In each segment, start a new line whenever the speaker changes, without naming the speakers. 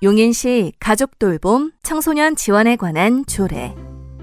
용인시 가족돌봄 청소년 지원에 관한 조례.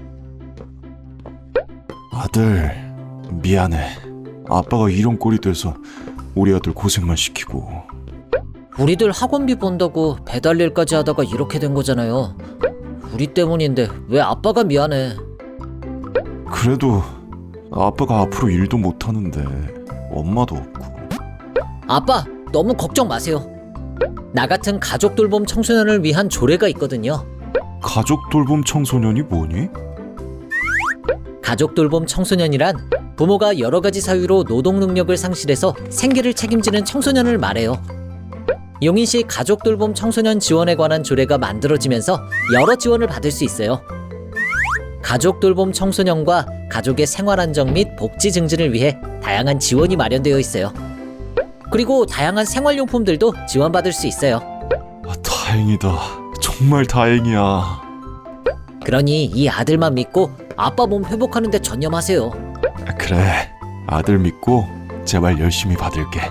아들, 미안해. 아빠가 이런 꼴이 돼서 우리 아들 고생만 시키고.
우리들 학원비 번다고 배달 일까지 하다가 이렇게 된 거잖아요. 우리 때문인데 왜 아빠가 미안해.
그래도 아빠가 앞으로 일도 못하는데 엄마도 없고.
아빠, 너무 걱정 마세요. 나 같은 가족 돌봄 청소년을 위한 조례가 있거든요.
가족 돌봄 청소년이 뭐니?
가족 돌봄 청소년이란 부모가 여러 가지 사유로 노동 능력을 상실해서 생계를 책임지는 청소년을 말해요. 용인시 가족 돌봄 청소년 지원에 관한 조례가 만들어지면서 여러 지원을 받을 수 있어요. 가족 돌봄 청소년과 가족의 생활 안정 및 복지 증진을 위해 다양한 지원이 마련되어 있어요. 그리고 다양한 생활용품들도 지원받을 수 있어요.
다행이다. 정말 다행이야.
그러니 이 아들만 믿고 아빠 몸 회복하는 데 전념하세요.
그래, 아들 믿고 제발 열심히 받을게.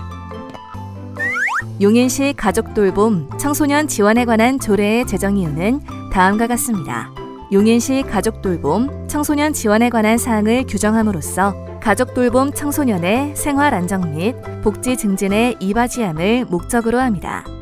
용인시 가족돌봄 청소년 지원에 관한 조례의 제정 이유는 다음과 같습니다. 용인시 가족돌봄 청소년 지원에 관한 사항을 규정함으로써 가족돌봄 청소년의 생활 안정 및 복지 증진에 이바지함을 목적으로 합니다.